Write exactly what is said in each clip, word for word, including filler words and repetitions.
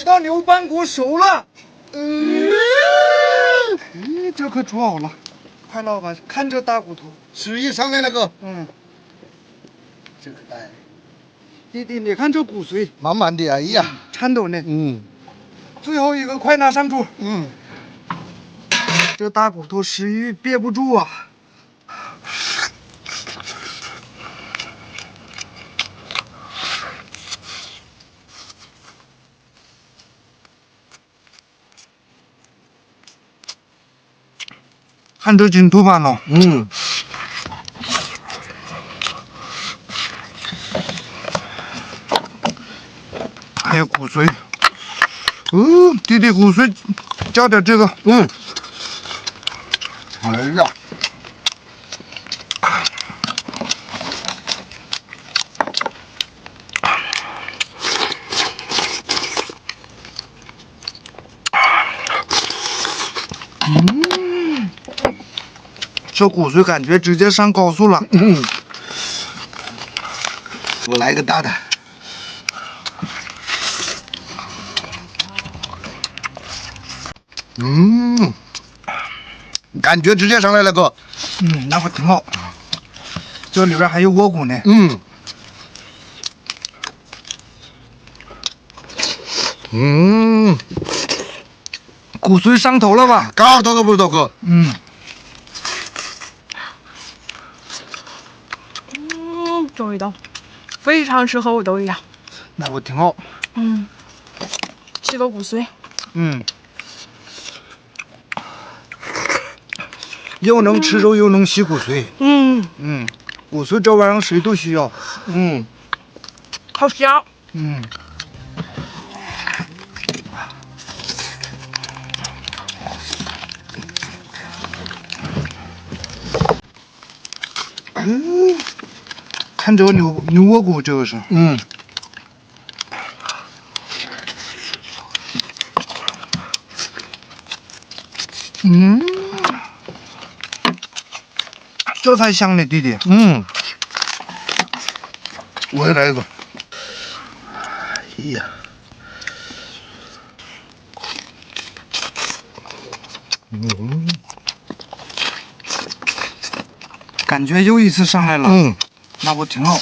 道牛板骨熟了。 嗯，咦，这可煮好了。 快老板，看这大骨头。 十一上来了哥。 嗯， 这个来。 弟弟，你看这骨髓， 满满的，哎呀， 颤抖呢。 嗯。 最后一个，快拿上桌。 嗯。 这大骨头食欲憋不住啊。看这筋头板了。 嗯。 还有骨髓。哦，弟弟，骨髓加点这个。 嗯。哎呀。 嗯，这骨髓感觉直接上高速了。 嗯，我来个大的。嗯，感觉直接上来了哥。 嗯，那会挺好。这里边还有窝骨呢。 嗯。嗯。 骨髓上头了吧？ 高头可不多哥。 嗯。 嗯，这味道非常适合我的胃呀。 那我挺好。 嗯，吃个骨髓。 嗯。又能吃肉又能吸骨髓。 嗯嗯，骨髓这玩意儿谁都需要。 嗯， 好香。 嗯。嗯，看这个牛牛窝骨，这个是。 嗯。 嗯，这才香呢，弟弟。 嗯。我也来一个。哎呀。嗯。 感觉又一次上来了。 嗯。 那我挺好。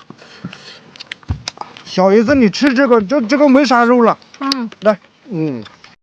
小姨子，你吃这个，这这个没啥肉了。 嗯， 来。 嗯。